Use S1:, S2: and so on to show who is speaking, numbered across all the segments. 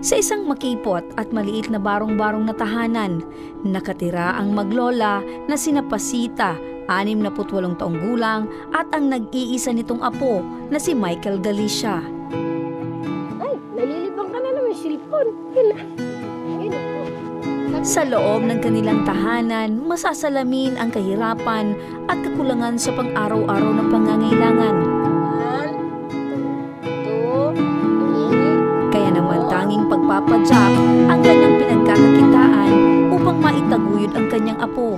S1: Sa isang makipot at maliit na barong-barong na tahanan, nakatira ang maglola na sina Pasita, 68 taong gulang, at ang nag-iisa nitong apo na si Michael Galicia.
S2: Ay, nalilibang ka na naman, silpon. Yun na. Yun po.
S1: Sa loob ng kanilang tahanan, masasalamin ang kahirapan at kakulangan sa pang-araw-araw na pangangailangan.
S2: 1, 2, 3.
S1: Kaya naman tanging pagpapadyak ang kanyang pinagkakakitaan upang maitaguyod ang kanyang apo.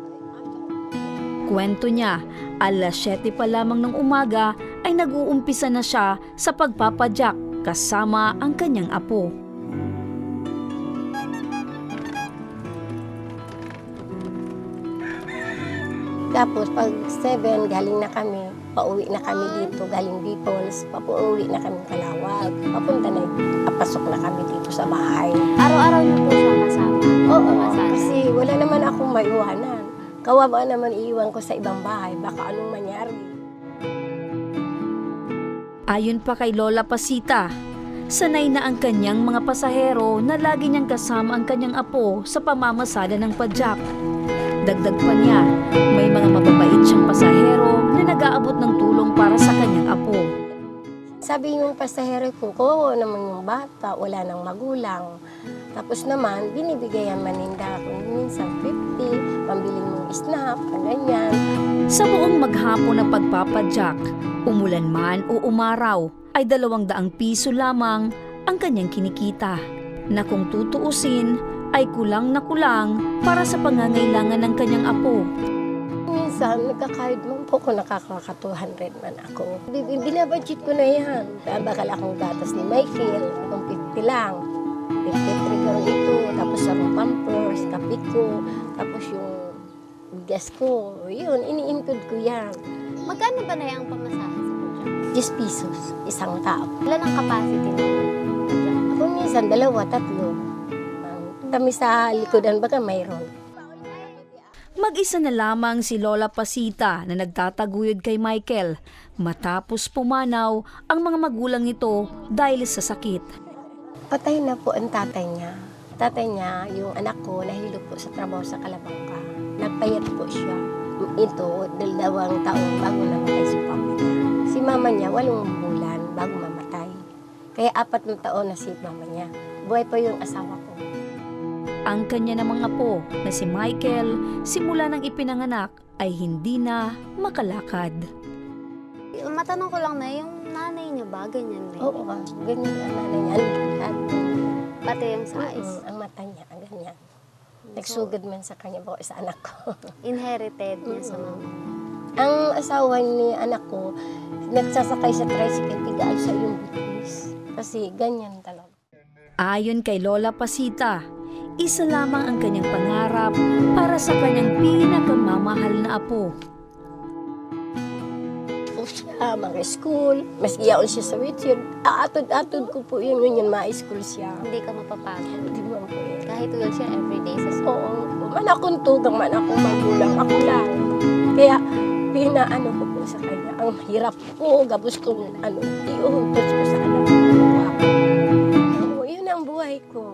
S1: Kwento niya, alas 7 pa lamang ng umaga ay nag-uumpisa na siya sa pagpapadyak kasama ang kanyang apo.
S2: Tapos pag 7, galing na kami. Pauwi na kami dito, galing Dipols. Pauwi na kami Kalawag. Papunta na, papasok na kami dito sa bahay.
S3: Araw-araw niyo po siya kasama?
S2: Oo, kasi wala naman akong maiwanan. Kawawa naman iiwan ko sa ibang bahay, baka anong mangyari.
S1: Ayon pa kay Lola Pasita, sanay na ang kanyang mga pasahero na lagi niyang kasama ang kanyang apo sa pamamasada ng padyak. Dagdag pa niya, may mga mababait siyang pasahero na nag-aabot ng tulong para sa kanyang apo.
S2: Sabi yung pasahero ko, kawawa naman yung bata, wala nang magulang. Tapos naman, binibigayan maninda ako minsan 50, pambili mong snack, ganyan.
S1: Sa buong maghapon ng pagpapadyak, umulan man o umaraw, ay 200 piso lamang ang kanyang kinikita, na kung tutuusin ay kulang na kulang para sa pangangailangan ng kanyang apo.
S2: Minsan, nagkakahid man po ko, nakakaka 200 man ako. Binabudget ko na yan. Bakal akong gatas ni Michael, kung 50 lang. 53 karong ito, tapos sarong pampers, kape ko, tapos yung gas ko. Yun, ini-include ko yan.
S3: Magkano ba na yung pamasahe sa padyak?
S2: 10 pesos, isang tao.
S3: Ilan ang capacity ng padyak?
S2: Ako minsan, 2, 3. Kami sa likodan, baka mayroon.
S1: Mag-isa na lamang si Lola Pasita na nagtataguyod kay Michael matapos pumanaw ang mga magulang nito dahil sa sakit.
S2: Patay na po ang tatay niya. Tatay niya, yung anak ko, nahilo po sa trabaho sa Kalabangka. Nagpayat po siya. Ito, 2 taon bago namatay si papa niya. Si mama niya, 8 bulan bago mamatay. Kaya 4 na taon na si mama niya. Buhay pa yung asawa ko.
S1: Ang kanya namang apo na si Michael, simula nang ipinanganak ay hindi na makalakad.
S3: Matanong ko lang na, yung nanay niya ba, ganyan rin?
S2: Oo, ganyan ang nanay niya. Lahat.
S3: Pati yung size?
S2: Ang mata niya, ganyan. Nagsugod man sa kanya po sa anak ko.
S3: Inherited niya sa mama.
S2: Ang asawa ni anak ko, nagsasakay sa tricycle, tigaan sa yung butis. Kasi ganyan talaga.
S1: Ayon kay Lola Pasita, isa lamang ang kanyang pangarap para sa kanyang pinakamamahal na apo.
S2: Po siya, mga school, mas iyaon siya sa wheelchair. Atod-atod ko po yun, ma-school siya.
S3: Hindi ka mapapagod.
S2: Hindi mo po yun.
S3: Kahit wheelchair everyday sa school.
S2: Oo, man akong tugang, man akong magulang, ako lang. Kaya, pinaano ko po sa kanya. Ang hirap po, gabos kong iuhutos ko sa anak ko. Oo, yun ang buhay ko.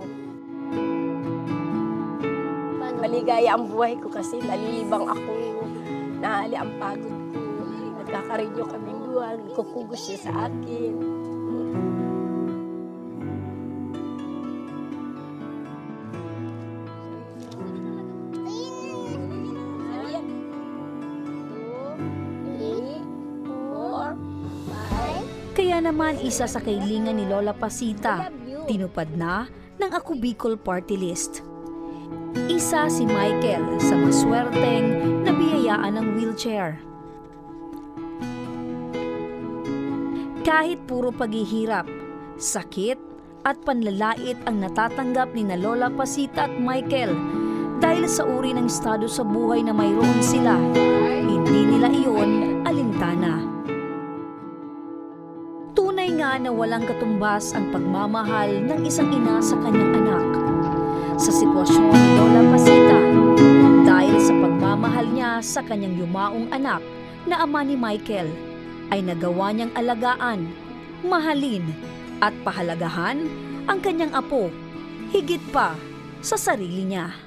S2: Maligaya ang buhay ko kasi nalilibang ako. Nahali ang pagod ko. Nagkakarinyo kaming duwag. Kukugos siya sa akin. Ayan. 2, 3, 4, 5.
S1: Kaya naman isa sa kailingan ni Lola Pasita, tinupad na ng Ako Bicol Party List. Isa si Michael sa maswerteng nabiyayaan ng wheelchair. Kahit puro paghihirap, sakit at panlalait ang natatanggap ni na Lola Pasita at Michael dahil sa uri ng estado sa buhay na mayroon sila, hindi nila iyon alintana. Tunay nga na walang katumbas ang pagmamahal ng isang ina sa kanyang anak. Sa sitwasyon ni Lola Pasita, dahil sa pagmamahal niya sa kanyang yumaong anak na ama ni Michael, ay nagawa niyang alagaan, mahalin at pahalagahan ang kanyang apo higit pa sa sarili niya.